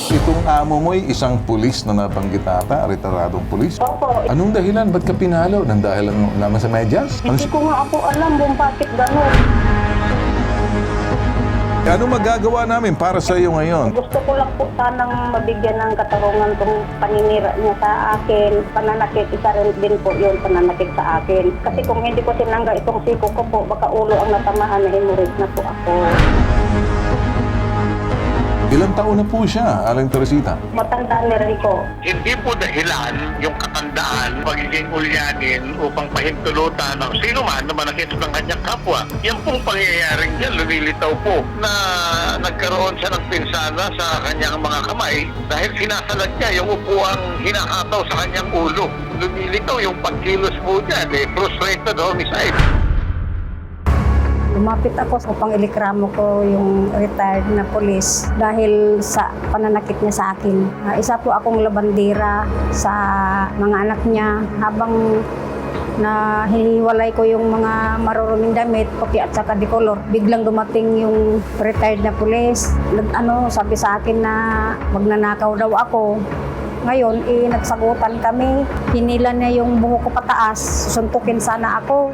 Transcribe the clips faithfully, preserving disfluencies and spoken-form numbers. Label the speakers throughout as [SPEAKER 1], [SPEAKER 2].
[SPEAKER 1] Itong amo mo'y isang pulis na nabanggit ata, retiradong pulis.
[SPEAKER 2] Opo.
[SPEAKER 1] Anong dahilan? Ba't ka pinalo? Nang dahil lang naman sa medyas? Ano,
[SPEAKER 2] Hindi ko nga ako alam kung bakit gano'n.
[SPEAKER 1] ano magagawa namin para sa iyo ngayon?
[SPEAKER 2] Gusto ko lang po sanang mabigyan ng katarungan kung paninira niya sa akin. Pananakit, isa rin din po yun, pananakit sa akin. Kasi kung hindi ko sinangga itong siko ko po, baka ulo ang natamaan na hemorrhage na po ako.
[SPEAKER 1] Ilang taon na po siya, Aling Teresita?
[SPEAKER 2] Matanda na rin ko.
[SPEAKER 3] Hindi po dahilan yung katandaan, pagiging ulyanin upang pahintulutan ng sino man na manakit ng kanyang kapwa. Yan pong pangyayaring yan, lumilitaw po na nagkaroon siya ng pinsala sa kanyang mga kamay dahil sinasalag niya yung upuang hinakataw sa kanyang ulo. Lumilitaw yung pagkilos po niya, eh, frustrated homicide.
[SPEAKER 2] Lumapit ako upang ilikramo ko yung retired na polis dahil sa pananakit niya sa akin. Uh, isa po akong labandera sa mga anak niya habang na hinihiwalay ko yung mga maruruming damit, puti at saka dikolor. Biglang dumating yung retired na pulis. Nag, ano, sabi sa akin na magnanakaw daw ako. Ngayon, eh, nagsagutan kami. Hinila niya yung buhok ko pataas. Suntukin sana ako.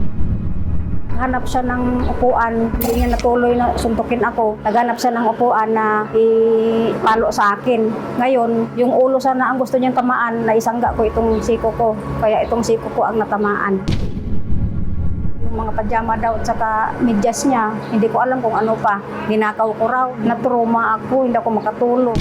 [SPEAKER 2] Hanap siya ng upuan, hindi niya natuloy na suntukin ako. Naghanap siya ng upuan na ipalo sa akin. Ngayon, yung ulo sana ang gusto niyang tamaan, naisangga ko itong siko ko. Kaya itong siko ko ang natamaan. Yung mga pajama daw at saka medyas niya, hindi ko alam kung ano pa. Ninakaw ko raw, natruma ako, hindi ako makatulog.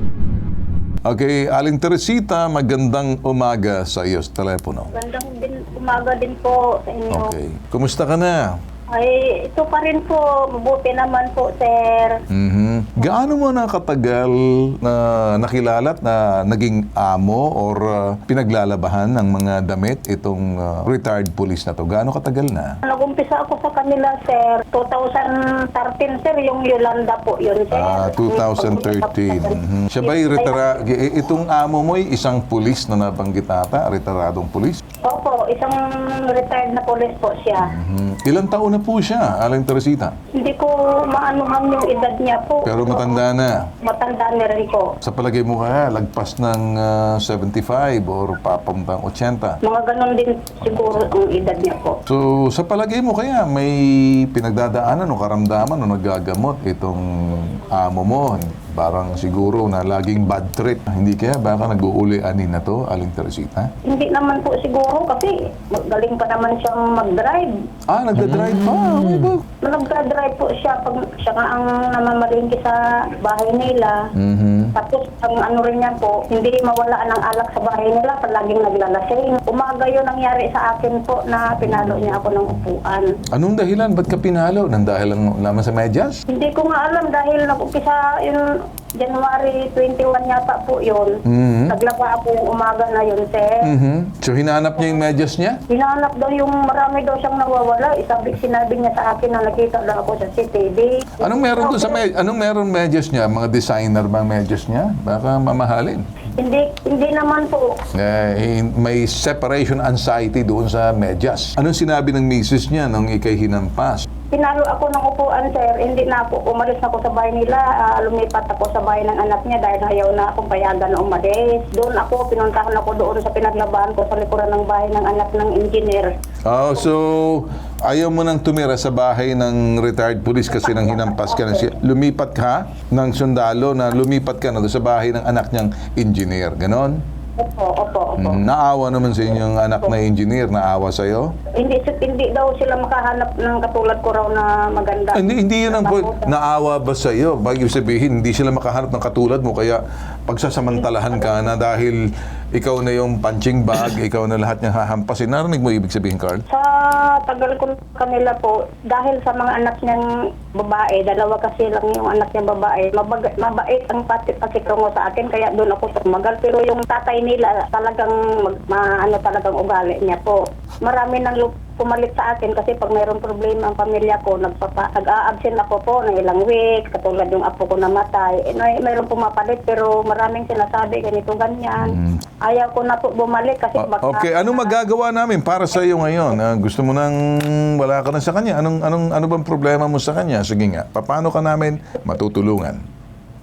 [SPEAKER 1] Okay, Aling Teresita, magandang umaga sa iyo sa telepono.
[SPEAKER 2] Gandang din, umaga din po sa inyo.
[SPEAKER 1] Okay. Kumusta ka na?
[SPEAKER 2] Ay, ito pa rin po. Mabuti naman po, sir.
[SPEAKER 1] Mhm. Gaano mo na katagal na nakilala at na naging amo or uh, pinaglalabahan ng mga damit itong uh, retired police na to? Gaano katagal na?
[SPEAKER 2] Nag-umpisa ako sa kanila, sir. twenty thirteen, sir. Yung Yolanda po yun, sir.
[SPEAKER 1] Ah, twenty thirteen. Mhm. Siya ba'y retira... i- Itong amo mo'y isang pulis na nabanggit ata, retiradong pulis?
[SPEAKER 2] Opo, isang retired na police po siya.
[SPEAKER 1] Mhm. Ilang taon na po siya, Aling Teresita?
[SPEAKER 2] Hindi ko maanuhan yung edad niya po.
[SPEAKER 1] Pero matanda na.
[SPEAKER 2] Matanda na rin ko.
[SPEAKER 1] Sa palagay mo kaya, lagpas ng uh, seventy-five or papuntang eighty.
[SPEAKER 2] Mga ganon din siguro ang edad niya po.
[SPEAKER 1] So, sa palagay mo kaya, may pinagdadaanan o karamdaman o nagagamot itong amo mo? Parang siguro na laging bad trip. Hindi kaya baka nag-uuli-anin na to, Aling Teresita?
[SPEAKER 2] Hindi naman po siguro kasi galing pa naman siyang mag-drive.
[SPEAKER 1] Ah, nagda-drive pa. Mm.
[SPEAKER 2] Nagdra-drive po siya pag siya nga ang namamalingki sa bahay nila.
[SPEAKER 1] Mhm.
[SPEAKER 2] Tapos ang ano rin niya po, hindi mawala ng alak sa bahay nila pag laging naglalasing. Umaga yun nangyari sa akin po na pinalo niya ako ng upuan.
[SPEAKER 1] Anong dahilan? Ba't ka pinalo? Nang dahil lang naman sa medyas?
[SPEAKER 2] Hindi ko nga alam dahil nag-umpisa yun January twenty-one yata po yun.
[SPEAKER 1] Mhm.
[SPEAKER 2] Naglaba ako yung umaga na yun, sir.
[SPEAKER 1] Mhm. So, hinanap niya yung medyas niya?
[SPEAKER 2] Hinanap daw yung marami daw siyang nawawala. Isabi, sinabi niya sa akin na nakita daw ako sa C C T V.
[SPEAKER 1] Anong meron doon sa med- anong meron medyas niya? Mga designer ba ang medyas niya? Baka mamahalin.
[SPEAKER 2] Hindi, hindi naman po.
[SPEAKER 1] Eh, may separation anxiety doon sa medyas. Anong sinabi ng misis niya nung ikay hinampas?
[SPEAKER 2] Pinalo ako ng upuan, sir. Hindi na ako. Umalis na ako sa bahay nila. Ah, lumipat ako sa bahay ng anak niya dahil ayaw na akong payagan na umalis. Doon ako, pinuntahan ako doon sa pinaglabahan ko sa likuran ng bahay ng anak ng engineer.
[SPEAKER 1] Oh, so ayaw mo nang tumira sa bahay ng retired police kasi nang hinampas ka na siya. Lumipat ka ng sundalo na lumipat ka na doon sa bahay ng anak niyang engineer. Ganon?
[SPEAKER 2] Opo, opo, opo.
[SPEAKER 1] Mm, naawa naman sa inyong anak na engineer. Naawa sa'yo?
[SPEAKER 2] Hindi, hindi daw sila makahanap ng katulad ko raw na maganda.
[SPEAKER 1] Hindi, hindi yun ang point. Naawa ba sa iyo? Bagay sabihin, hindi sila makahanap ng katulad mo, kaya pagsasamantalahan ka na dahil ikaw na yung punching bag, ikaw na lahat niyang hahampasin. Narinig mo ibig sabihin, Carl?
[SPEAKER 2] Sa tagal ko kanila po, dahil sa mga anak niyang babae, dalawa kasi lang yung anak niyang babae, mabag- mabait ang pati- pakitungo sa akin, kaya doon ako tumagal. Pero yung tatay nila, talagang, mag, ma, ano talagang ugali niya po. Marami nang lu- pumalit sa akin kasi pag mayroong problema ang pamilya ko, nagpapa, nag-a-absent ako po ng ilang weeks, katulad yung apo ko namatay. Eh, may, mayroong pumapalit pero maraming sinasabi, ganito, ganyan.
[SPEAKER 1] Mm.
[SPEAKER 2] Ayaw ko na po bumalik kasi
[SPEAKER 1] O-
[SPEAKER 2] baka...
[SPEAKER 1] okay, anong magagawa namin para sa iyo ngayon? Ah, gusto mo nang wala ka na sa kanya? Anong, anong, ano bang problema mo sa kanya? Sige nga, paano ka namin matutulungan?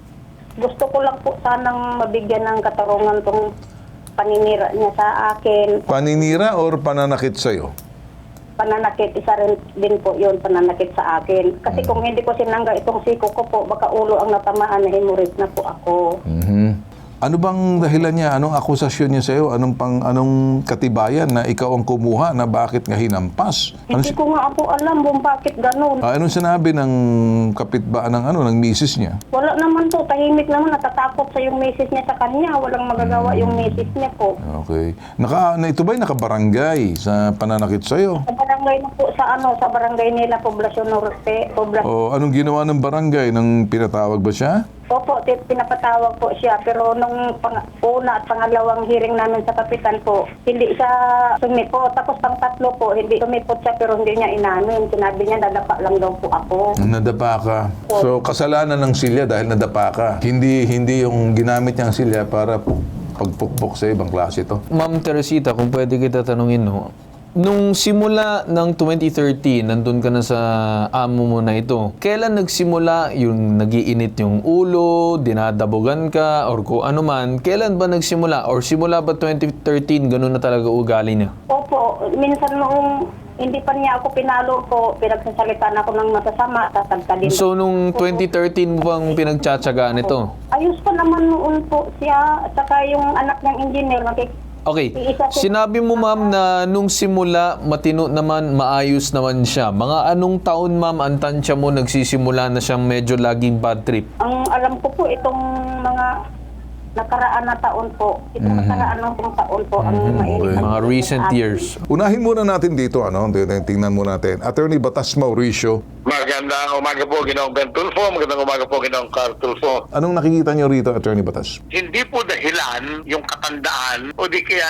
[SPEAKER 2] Gusto ko lang po sanang mabigyan ng katarungan tong paninira niya sa akin.
[SPEAKER 1] Paninira or pananakit sa'yo?
[SPEAKER 2] Pananakit, isa rin din po yun, pananakit sa akin. Kasi kung hindi ko sinangga itong siko ko po, baka ulo ang natamaan na hemorrhage na po ako.
[SPEAKER 1] Mhm. Ano bang dahilan niya? Anong akusasyon niya sa'yo? Anong, pang, anong katibayan na ikaw ang kumuha na bakit nga hinampas? Ano,
[SPEAKER 2] Hindi
[SPEAKER 1] si-
[SPEAKER 2] ko nga po alam kung bakit ganun.
[SPEAKER 1] Ah, anong sinabi ng kapitbaan ng ano ng misis niya?
[SPEAKER 2] Wala naman po, tahimik naman, natatakot sa yung misis niya sa kanya. Walang magagawa yung misis niya po.
[SPEAKER 1] Okay. Naka, na ito ba'y nakabarangay sa pananakit sa'yo?
[SPEAKER 2] Sa barangay na po, sa ano, sa barangay nila, Poblacion Norte. Poblacion.
[SPEAKER 1] O anong ginawa ng barangay? Nang pinatawag ba siya?
[SPEAKER 2] Opo, ti- pinapatawag po siya. Pero nung pang- una at pangalawang hearing namin sa kapitan po, hindi siya sumipot. Tapos pang tatlo po, hindi sumipot siya pero hindi niya inamin. Sinabi niya, dadapa lang daw po ako.
[SPEAKER 1] Nadapa ka. So kasalanan ng silya dahil nadapa ka. Hindi hindi yung ginamit niyang silya para pu- pagpukpok sa ibang klase to.
[SPEAKER 4] Ma'am Teresita, kung pwede kita tanungin, no? Nung simula ng twenty thirteen, nandun ka na sa amo mo na ito, kailan nagsimula yung nagiinit yung ulo, dinadabugan ka, or kung ano man, kailan ba nagsimula? Or simula ba twenty thirteen, ganun na talaga ugali niya?
[SPEAKER 2] Opo, minsan noong hindi pa niya ako pinalo po, pinagsasalitan ako ng masasama, tatagka din.
[SPEAKER 4] So, nung twenty thirteen mo bang pinagtsatsagaan ito?
[SPEAKER 2] Ayos pa naman noon po siya, saka yung anak niyang engineer, nakik-
[SPEAKER 4] Okay, sinabi mo ma'am na nung simula matino naman, maayos naman siya. Mga anong taon ma'am ang tansya mo nagsisimula na siyang medyo laging bad trip?
[SPEAKER 2] ang alam ko po itong mga nakaraan na taon po, itong nakaraan ng pong taon po, ang mainit.
[SPEAKER 1] Okay.
[SPEAKER 2] ang
[SPEAKER 4] Mga recent
[SPEAKER 2] atin.
[SPEAKER 4] years.
[SPEAKER 1] Unahin muna natin dito, ano, tingnan muna natin. Attorney Batas Mauricio,
[SPEAKER 3] Magandang umaga po, Ginoong Ben Tulfo. Magandang umaga po, Ginoong Carl Tulfo.
[SPEAKER 1] anong nakikita niyo rito, Attorney Batas?
[SPEAKER 3] Hindi po dahilan yung katandaan o di kaya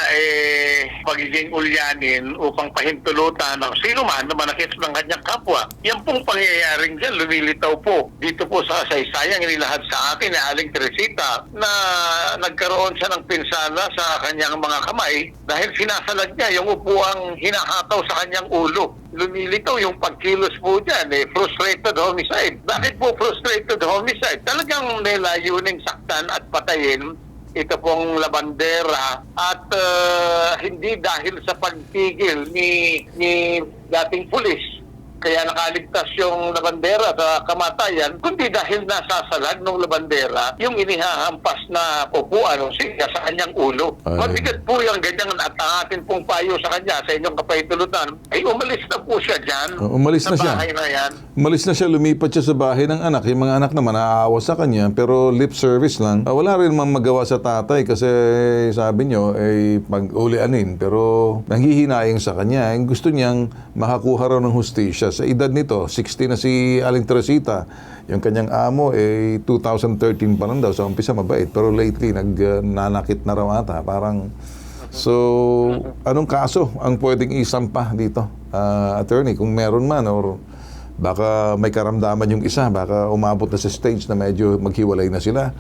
[SPEAKER 3] eh pagiging ulyanin upang pahintulutan ng sino man na manakit ng kanyang kapwa. Yan pong pangyayaring dyan, lumilitaw po. Dito po sa saysayang inilahad sa akin ni Aling Teresita na nagkaroon siya ng pinsala sa kanyang mga kamay dahil sinasalag niya yung upuang hinahataw sa kanyang ulo. Lumilitaw yung pagkilos po dyan, eh, frustrated homicide. Bakit po frustrated homicide? Talagang nilayuning saktan at patayin ito pong labandera at uh, hindi dahil sa pagpigil ni, ni dating pulis kaya nakaligtas yung labandera sa kamatayan, kundi dahil nasasalag ng labandera yung inihahampas na upuan o siya sa kanyang ulo.
[SPEAKER 1] Ay.
[SPEAKER 3] Mabigat po yung ganyan at ang atin pong payo sa kanya sa inyong kapahintulutan, ay umalis na po siya dyan.
[SPEAKER 1] Uh, umalis na
[SPEAKER 3] sa
[SPEAKER 1] siya.
[SPEAKER 3] bahay na yan.
[SPEAKER 1] Umalis na siya, lumipat siya sa bahay ng anak. Yung mga anak naman naaawa sa kanya, pero lip service lang. Ah, wala rin mang magawa sa tatay kasi sabi nyo, ay pag-ulianin. Pero nanghihinayang sa kanya. Yung gusto niyang makakuha raw ng hustisya. Sa edad nito, sixty na si Aling Teresita. Yung kanyang amo, eh, two thousand thirteen pa lang daw. Sa umpisa mabait. Pero lately, nagnanakit na raw ata. Parang, so, anong kaso ang pwedeng isampa dito? Ah, attorney, kung meron man, or baka may karamdaman yung isa, baka umabot na sa stage na medyo maghiwalay na sila.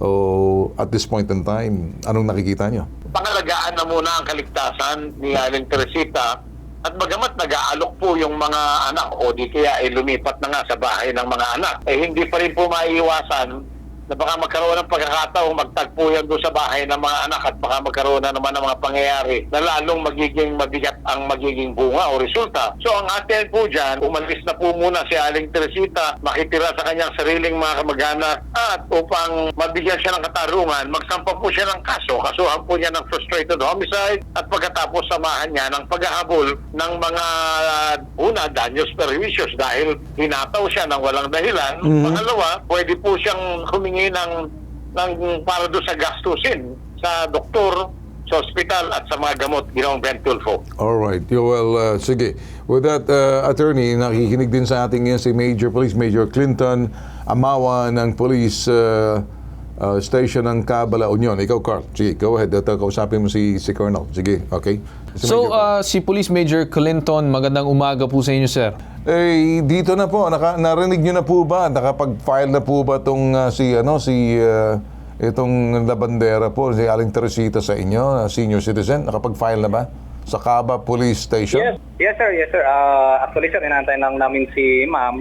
[SPEAKER 1] O at this point in time, anong nakikita nyo?
[SPEAKER 3] Pangalagaan na muna ang kaligtasan ni Aling Teresita at bagamat nag-aalok po yung mga anak o di kaya ay lumipat na nga sa bahay ng mga anak, eh hindi pa rin po maiiwasan na baka magkaroon ng pagkakataong magtagpo yan doon sa bahay ng mga anak at baka magkaroon na naman ng mga pangyayari na lalong magiging mabigat ang magiging bunga o resulta. So ang atin po dyan, umalis na po muna si Aling Teresita, makitira sa kanyang sariling mga kamag-anak at upang mabigyan siya ng katarungan, magsampa po siya ng kaso. Kasuhan po niya ng frustrated homicide at pagkatapos samahan niya ng paghahabol ng mga uh, una, daños perjuicios dahil hinataw siya ng walang dahilan.
[SPEAKER 1] Mhm.
[SPEAKER 3] Pangalawa, pwede po siyang humingi ng, ng para doon sa gastusin sa doktor, sa ospital at sa mga gamot, Ginoong Ben Tulfo.
[SPEAKER 1] Alright. Well, uh, sige. With that, uh, attorney, nakikinig din sa ating ngayon si Major Police Major Clinton Amawa ng Police uh, uh, Station ng Cabala Union. Ikaw, Carl. Sige, go ahead. Ito, kausapin mo si, si Colonel. Sige, okay? Si
[SPEAKER 4] So,
[SPEAKER 1] Major.
[SPEAKER 4] uh, si Police Major Clinton, magandang umaga po sa inyo, sir.
[SPEAKER 1] Eh, dito na po, naka, narinig nyo na po ba? Nakapag-file na po ba itong uh, si, ano, si, uh, itong labandera po, si Aling Teresita sa inyo, uh, senior citizen? Nakapag-file na ba? Sa Caba Police Station?
[SPEAKER 5] Yes, yes sir, yes sir. Uh, actually sir, inantay lang namin si ma'am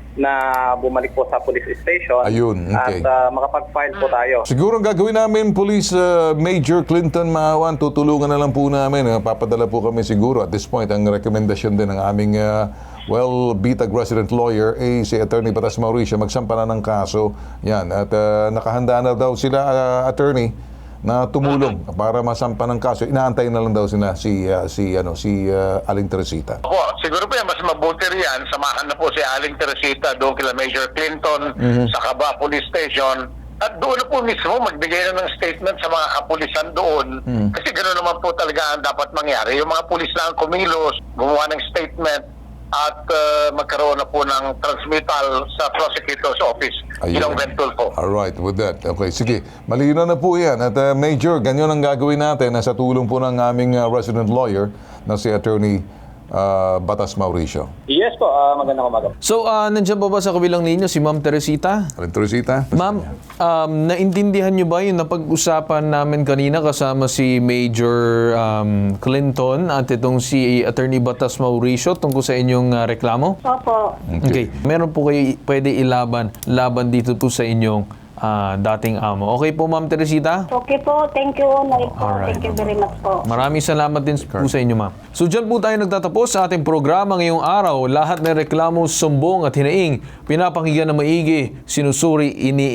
[SPEAKER 5] na bumalik po sa police station
[SPEAKER 1] Ayun, okay.
[SPEAKER 5] at ah, makapag-file po tayo.
[SPEAKER 1] Siguro ang gagawin namin, Police uh, Major Clinton Maawan, tutulungan na lang po namin. Uh, papadala po kami siguro at this point. Ang rekomendasyon din ng aming uh, well, bitag resident lawyer, eh, si Attorney Batas Mauricio, magsampa na ng kaso. Yan. At uh, nakahanda na daw sila, uh, Attorney, na tumulong para masampa ng kaso. Inaantay na lang daw sila si, uh, si, ano, si uh, Aling Teresita.
[SPEAKER 3] Opo, siguro po yan, mas mabuti riyan, samahan na po si Aling Teresita doon kila Major Clinton sa Caba Police Station at doon na po mismo magbigay na ng statement sa mga kapulisan doon kasi gano'n naman po talaga ang dapat mangyari. Yung mga pulis lang kumilos, gumawa ng statement at uh, magkaroon na po ng transmittal sa prosecutor's office.
[SPEAKER 1] Ayun.
[SPEAKER 3] Yun ang Ventol po.
[SPEAKER 1] Alright, with that. Okay, sige. Malino na po yan. At uh, Major, ganyan ang gagawin natin na sa tulong po ng aming uh, resident lawyer na si Attorney uh, Batas Mauricio.
[SPEAKER 5] Yes po, ah, magandang umaga.
[SPEAKER 4] So, uh, nandiyan pa ba sa kabilang ninyo si Ma'am Teresita?
[SPEAKER 1] Aling Teresita?
[SPEAKER 4] Ma'am, um, naintindihan nyo ba yung napag-usapan namin kanina kasama si Major um, Clinton at itong si Attorney Batas Mauricio tungkol sa inyong uh, reklamo?
[SPEAKER 2] Opo.
[SPEAKER 4] Okay. Meron po kayo pwede ilaban laban dito po sa inyong ah, dating amo. Okay po, Ma'am Teresita?
[SPEAKER 2] Okay po. Thank you, Nay po.
[SPEAKER 4] Alright.
[SPEAKER 2] Thank you very much po.
[SPEAKER 4] Maraming salamat din po sa inyo, ma'am. So dyan po tayo nagtatapos sa ating programa ngayong araw. Lahat ng reklamo, sumbong at hinaing, pinapakinggan na maigi, sinusuri,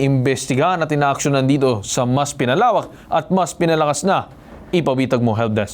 [SPEAKER 4] iniimbestigahan at inaaksyonan dito sa mas pinalawak at mas pinalakas na Ipabitag Mo Helpdesk.